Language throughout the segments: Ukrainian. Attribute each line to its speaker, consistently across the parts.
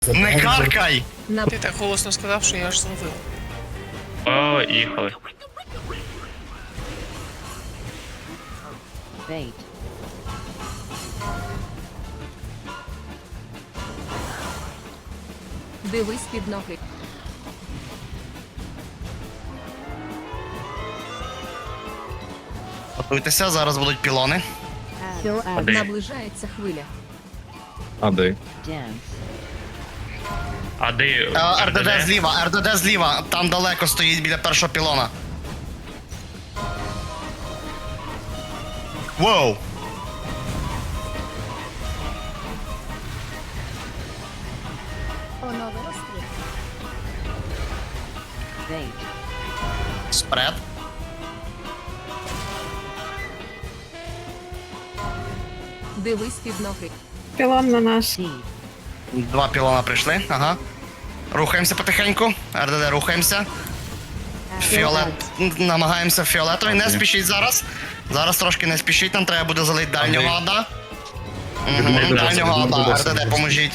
Speaker 1: Не каркай!
Speaker 2: Ти так голосно сказав, що я аж зловив.
Speaker 3: О, їхали.
Speaker 4: Bait.
Speaker 5: Дивись під ноги.
Speaker 1: Готуйтеся, зараз будуть пілони.
Speaker 4: Kill ad.
Speaker 3: Де?
Speaker 5: Наближається хвиля.
Speaker 6: А де?
Speaker 4: Dance.
Speaker 3: А де
Speaker 1: РДД зліва, РДД зліва, там далеко стоїть біля першого пілона. Воу!
Speaker 4: Bait.
Speaker 1: Спред.
Speaker 5: Дивись під ноги.
Speaker 7: Пілон на нас.
Speaker 4: Seed.
Speaker 1: Два пілона прийшли, ага. Рухаємося потихеньку. РДД рухаємося. Фіолет. Намагаємося фіолетовий. Не спішіть зараз. Зараз трошки не спішіть, нам треба буде залити дальнього ада. Дальнього ада, РДД, поможіть.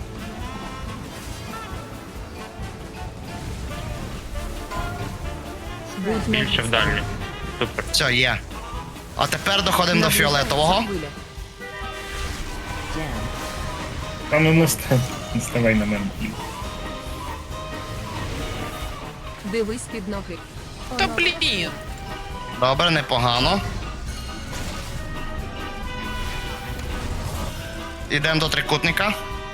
Speaker 5: Будь
Speaker 3: більше
Speaker 5: ноги.
Speaker 3: в дальню. Супер.
Speaker 1: Все, є. А тепер доходимо до фіолетового.
Speaker 5: Хвиля.
Speaker 4: Dance.
Speaker 8: Та ну не ставай на мене.
Speaker 5: Дивись під ноги.
Speaker 2: Та блін!
Speaker 1: Добре, непогано. Ідемо до трикутника.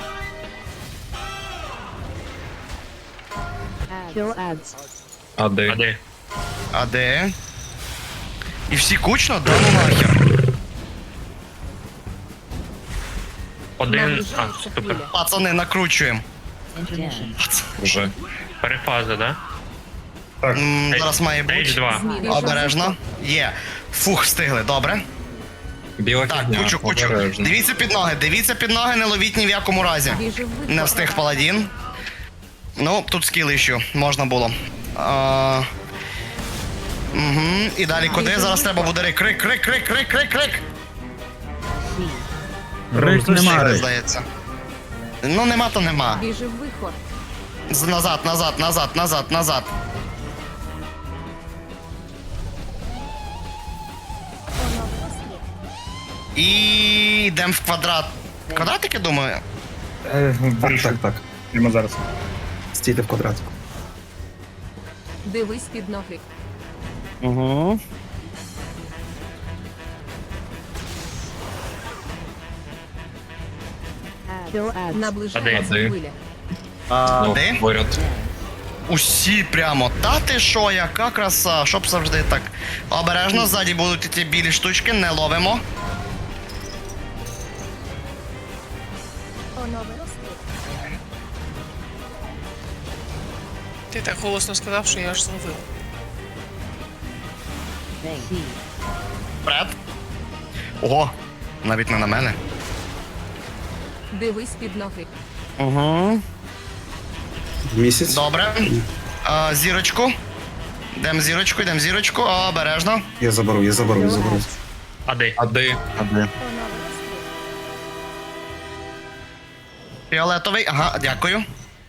Speaker 4: Kill ads.
Speaker 6: А
Speaker 3: А
Speaker 6: де?
Speaker 3: де?
Speaker 1: А де? І всі кучно? Да ну нахер.
Speaker 3: Один. А,
Speaker 5: Наближається
Speaker 3: супер.
Speaker 5: хвиля.
Speaker 1: Пацани, накручуємо.
Speaker 4: Intermission.
Speaker 6: Вже.
Speaker 3: Перефаза, да?
Speaker 8: Так,
Speaker 1: Зараз має бути.
Speaker 3: H2.
Speaker 5: Зміни.
Speaker 1: Обережно. Є. Фух, встигли, добре.
Speaker 6: Біла
Speaker 1: Так,
Speaker 6: фігня,
Speaker 1: кучу.
Speaker 6: обережно.
Speaker 1: Дивіться під ноги, не ловіть ні в якому разі.
Speaker 5: Біжи в вихор.
Speaker 1: Не встиг паладін. Ну, тут скіл іщу, можна було. Угу. І далі куди? Зараз треба буде крик.
Speaker 4: Seed.
Speaker 1: Рик нема, здається. Ну, нема, то нема.
Speaker 5: Біжи в вихор.
Speaker 1: Назад. І йдемо в квадрат. Квадратики, думаю?
Speaker 8: вирішив.
Speaker 6: Так.
Speaker 8: Прямо зараз.
Speaker 6: Стійте в квадратику.
Speaker 5: Дивись під ноги.
Speaker 1: Угу.
Speaker 4: Kill ads.
Speaker 5: Наближається
Speaker 6: А де?
Speaker 5: хвиля.
Speaker 1: Де?
Speaker 6: Поряд.
Speaker 1: Усі прямо. Та ти що, яка краса, щоб завжди так. Обережно, ззаді будуть ті білі штучки, не ловимо.
Speaker 2: Ти так голосно сказав, що я аж зловив.
Speaker 4: Bait. Seed.
Speaker 1: Вперед. Ого, навіть не на мене.
Speaker 5: Дивись під ноги.
Speaker 1: Угу.
Speaker 6: Місяць.
Speaker 1: Добре. Зірочку. Йдемо зірочку. Обережно.
Speaker 6: Я заберу.
Speaker 4: Kill ads.
Speaker 3: А де?
Speaker 6: А де?
Speaker 1: Фіолетовий. Ага, дякую.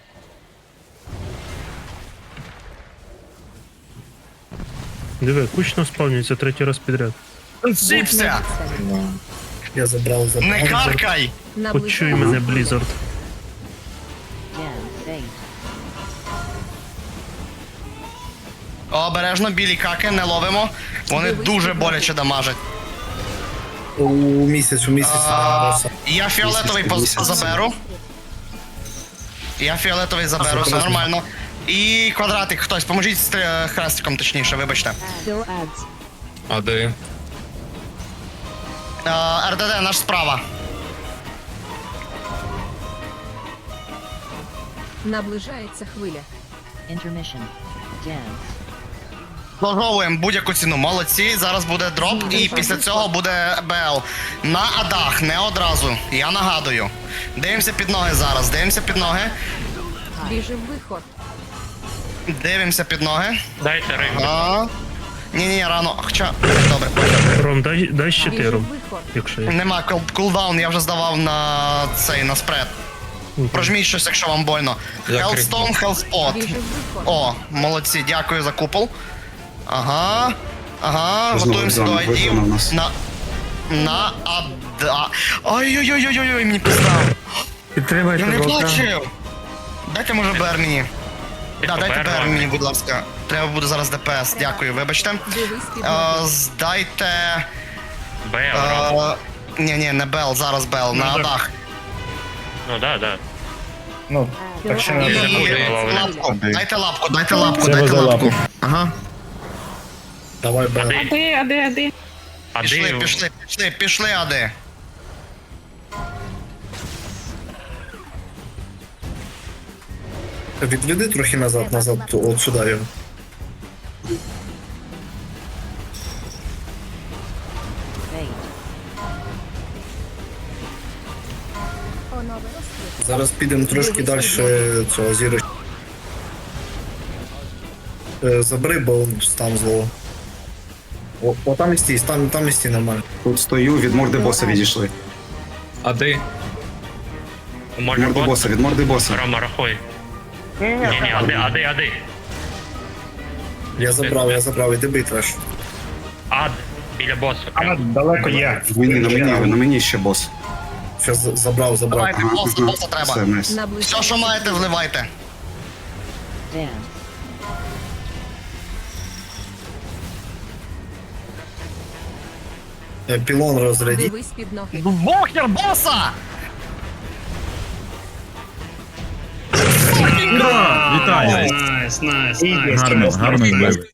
Speaker 9: Диви, кучно спавнюється третій раз підряд.
Speaker 1: Зіпся!
Speaker 8: Я забрав.
Speaker 1: Не каркай!
Speaker 9: Почуй мене, Blizzard.
Speaker 4: Dance. Bait.
Speaker 1: Обережно, білі каки, не ловимо. Вони дуже боляче дамажать.
Speaker 8: У місяць.
Speaker 1: Я фіолетовий заберу. Все нормально. І квадратик хтось, поможіть з хрестиком, точніше, вибачте.
Speaker 4: Kill ads.
Speaker 6: А де?
Speaker 1: РДД, наш справа.
Speaker 5: Наближається хвиля.
Speaker 4: Intermission. Dance.
Speaker 1: Заслуговуємо будь-яку ціну. Молодці, зараз буде дроп і після цього буде БЛ. На адах, не одразу. Я нагадую. Дивимося під ноги зараз,
Speaker 5: Біжи в вихор.
Speaker 1: Дивимося під ноги.
Speaker 3: Дайте рейм.
Speaker 1: Ні, рано. Хоча, добре.
Speaker 9: Ром, дай
Speaker 5: Біжи в
Speaker 9: щитиру,
Speaker 5: вихор.
Speaker 9: якщо є.
Speaker 1: Нема кулдаун, я вже здавав на цей, на спред. Прожміть щось, якщо вам больно.
Speaker 6: Я
Speaker 1: Hellstone, Hellspot.
Speaker 5: Біжи в виход.
Speaker 1: О, молодці, дякую за купол. Ага. Ага,
Speaker 6: Знову
Speaker 1: готуємося до
Speaker 6: зона,
Speaker 1: айдів.
Speaker 6: вона у нас.
Speaker 1: На ада. Ой-ой-ой-ой-ой, мені пиздав.
Speaker 8: Підтримайте
Speaker 1: Я не
Speaker 8: вовка.
Speaker 1: бачив. Дайте, може, БР мені. Да, дайте
Speaker 3: БР
Speaker 1: БР мені, будь ласка. Треба буде зараз ДПС. Дякую, вибачте.
Speaker 5: Дивись під ноги.
Speaker 1: Здайте.
Speaker 3: Б,
Speaker 1: Ні, не Бел, зараз Бел, на адах.
Speaker 3: Ну да.
Speaker 8: Ну, так ще не
Speaker 1: І
Speaker 3: буде.
Speaker 1: лапку. Дайте лапку, дайте лапку,
Speaker 9: Це
Speaker 1: дайте
Speaker 9: за
Speaker 1: лапку.
Speaker 9: лапу.
Speaker 1: Ага.
Speaker 8: давай, Б.
Speaker 3: Ади.
Speaker 1: Пішли, ади.
Speaker 8: Відведи трохи назад, от сюди його.
Speaker 4: Bait.
Speaker 8: Зараз підемо трошки далі цього зіри. Забери, бо стан зло. О, там і стій, там і стій нормально.
Speaker 6: Тут стою, від морди боса відійшли.
Speaker 3: Ади.
Speaker 6: Від
Speaker 3: Може
Speaker 6: морди
Speaker 3: бот?
Speaker 6: боса, від морди боса.
Speaker 3: Рома, рахуй. Ні, ади.
Speaker 8: Я забрав, іди бий треш.
Speaker 3: Ад. Біля боса.
Speaker 8: Далеко є.
Speaker 6: На мені ще бос.
Speaker 8: Щас забрав.
Speaker 1: Давайте, боса треба.
Speaker 6: Все, найс.
Speaker 1: Все,
Speaker 5: Наближається.
Speaker 1: що маєте, вливайте.
Speaker 4: Dance.
Speaker 8: Пілон розряді.
Speaker 5: Дивись під ноги.
Speaker 1: Бохер боса!
Speaker 7: Вітаю! Гарно, гарно бив.